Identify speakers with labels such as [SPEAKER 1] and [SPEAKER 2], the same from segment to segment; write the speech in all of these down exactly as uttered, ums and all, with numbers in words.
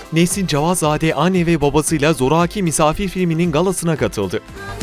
[SPEAKER 1] Nesin Cavazzade anne ve babasıyla Zoraki Misafir filminin galasına katıldı.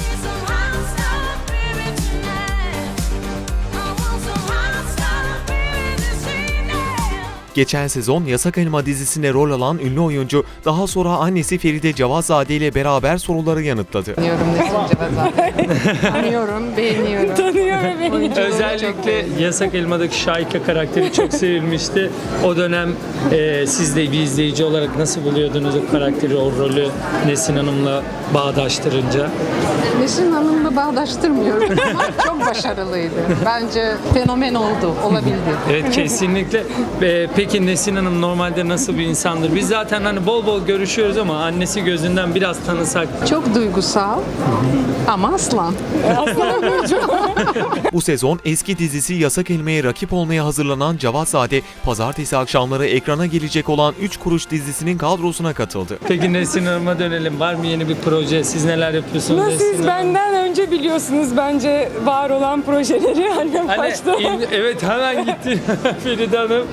[SPEAKER 1] Geçen sezon Yasak Elma dizisinde rol alan ünlü oyuncu daha sonra annesi Feride Cavazzade ile beraber soruları yanıtladı.
[SPEAKER 2] Tanıyorum Nesin Cavazzade. Tanıyorum, beğeniyorum.
[SPEAKER 3] Tanıyor ve beğeniyor.
[SPEAKER 4] Özellikle Yasak Elma'daki Şahika karakteri çok sevilmişti. O dönem e, siz de bir izleyici olarak nasıl buluyordunuz o karakteri, o rolü Nesin Hanım'la bağdaştırınca?
[SPEAKER 2] Nesin Hanım'la bağdaştırmıyorum ama çok başarılıydı. Bence fenomen oldu, olabildi.
[SPEAKER 4] Evet, kesinlikle. E, peki Nesin Hanım normalde nasıl bir insandır? Biz zaten hani bol bol görüşüyoruz ama annesi gözünden biraz tanısak.
[SPEAKER 2] Çok duygusal ama aslan. Aslan burcu.
[SPEAKER 1] Bu sezon eski dizisi Yasak Elma'ya rakip olmaya hazırlanan Cavazzade, pazartesi akşamları ekrana gelecek olan üç Kuruş dizisinin kadrosuna katıldı.
[SPEAKER 4] Peki Nesin Hanım'a dönelim. Var mı yeni bir proje? Siz neler yapıyorsunuz?
[SPEAKER 3] Nasıl
[SPEAKER 4] Nesin
[SPEAKER 3] siz
[SPEAKER 4] Hanım?
[SPEAKER 3] benden önce biliyorsunuz bence var olan projeleri annem
[SPEAKER 4] Hani,
[SPEAKER 3] başta.
[SPEAKER 4] il- evet hemen gitti Feride Hanım.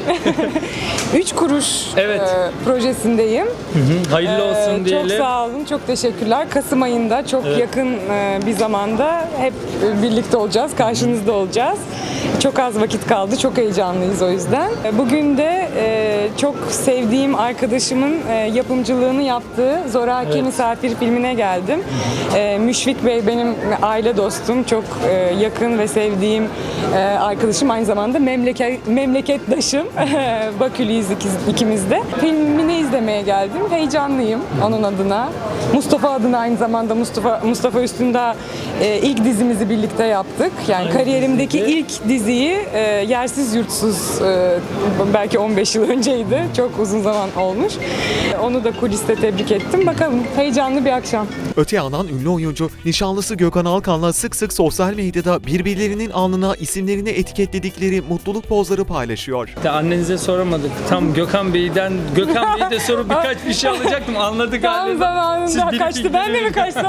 [SPEAKER 3] Üç kuruş
[SPEAKER 4] Evet.
[SPEAKER 3] e, projesindeyim.
[SPEAKER 4] Hayırlı olsun
[SPEAKER 3] Ee,
[SPEAKER 4] diyelim.
[SPEAKER 3] Çok sağ olun, çok teşekkürler. Kasım ayında çok
[SPEAKER 4] Evet.
[SPEAKER 3] yakın e, bir zamanda hep e, birlikte olacağız, karşınızda olacağız. Çok az vakit kaldı, çok heyecanlıyız o yüzden. E, Bugün de e, çok sevdiğim arkadaşımın e, yapımcılığını yaptığı Zoraki
[SPEAKER 4] Evet.
[SPEAKER 3] Misafir filmine geldim. E, Müşfik Bey benim aile dostum, çok e, yakın ve sevdiğim e, arkadaşım, aynı zamanda memleket memleketdaşım. Baküliyiz ikiz- ikimiz de. Filmini izlemeye geldim. Heyecanlıyım onun adına. Mustafa adına aynı zamanda Mustafa Mustafa Üstündağ e, ilk dizimizi birlikte yaptık. Yani
[SPEAKER 4] Aynı
[SPEAKER 3] kariyerimdeki
[SPEAKER 4] dizide.
[SPEAKER 3] ilk diziyi e, Yersiz Yurtsuz e, belki on beş yıl önceydi. Çok uzun zaman olmuş. Onu da kuliste tebrik ettim. Bakalım, heyecanlı bir akşam.
[SPEAKER 1] Öte yandan ünlü oyuncu, nişanlısı Gökhan Alkan'la sık sık sosyal medyada birbirlerinin alnına isimlerini etiketledikleri mutluluk pozları paylaşıyor.
[SPEAKER 4] De annenize soramadık. Tam Gökhan Bey'den, Gökhan Bey'e de soru birkaç bir şey alacaktım. Anladık
[SPEAKER 3] Tam
[SPEAKER 4] galiba. Siz
[SPEAKER 3] zamanında
[SPEAKER 4] bir
[SPEAKER 3] kaçtı. Ben de mi kaçtım?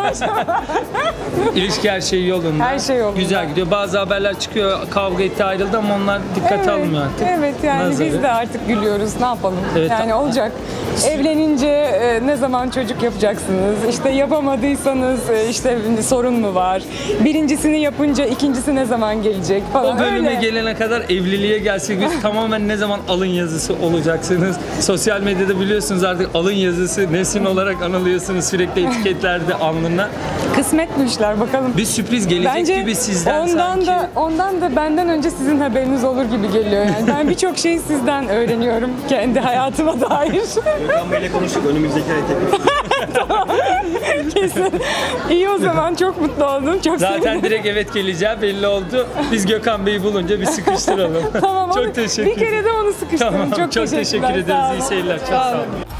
[SPEAKER 4] İlişki her şey yolunda.
[SPEAKER 3] Her şey yolunda.
[SPEAKER 4] Güzel gidiyor. Bazı haberler çıkıyor. Kavga etti, ayrıldı ama onlar dikkate almıyor artık.
[SPEAKER 3] Evet, yani
[SPEAKER 4] Nazarı.
[SPEAKER 3] biz de artık gülüyoruz. Ne yapalım?
[SPEAKER 4] Evet.
[SPEAKER 3] Yani olacak. Evlenince e, ne zaman çocuk yapacaksınız? İşte yapamadıysanız e, işte sorun mu var? Birincisini yapınca ikincisi ne zaman gelecek falan.
[SPEAKER 4] O bölüme
[SPEAKER 3] Öyle.
[SPEAKER 4] gelene kadar evliliğe gelsek biz tamamen ne zaman alın yazısı olacaksınız. Sosyal medyada biliyorsunuz artık alın yazısı Nesin olarak anılıyorsunuz sürekli etiketlerde alnına.
[SPEAKER 3] Kısmet bu işler, bakalım.
[SPEAKER 4] Bir sürpriz gelecek
[SPEAKER 3] Bence
[SPEAKER 4] gibi sizden
[SPEAKER 3] ondan
[SPEAKER 4] sanki.
[SPEAKER 3] da ondan da benden önce sizin haberiniz olur gibi geliyor yani. Ben birçok şeyi sizden öğreniyorum kendi hayatıma dair.
[SPEAKER 5] Gökhan Bey'le konuştuk. Önümüzdeki ay tekrar.
[SPEAKER 3] Kesin. İyi, o zaman çok mutlu oldum. Çok
[SPEAKER 4] Zaten
[SPEAKER 3] sevindim.
[SPEAKER 4] direkt evet geleceği belli oldu. Biz Gökhan Bey'i bulunca bir sıkıştıralım.
[SPEAKER 3] Tamam,
[SPEAKER 4] çok
[SPEAKER 3] onu-
[SPEAKER 4] teşekkür
[SPEAKER 3] bir kere de onu sıkıştırın.
[SPEAKER 4] Tamam,
[SPEAKER 3] çok,
[SPEAKER 4] çok teşekkür
[SPEAKER 3] teşekkürler.
[SPEAKER 4] ederiz.
[SPEAKER 3] Sağ
[SPEAKER 4] İyi
[SPEAKER 3] olun.
[SPEAKER 4] seyirler. Çok
[SPEAKER 3] Sağ
[SPEAKER 4] sağ
[SPEAKER 3] olun.
[SPEAKER 4] olun.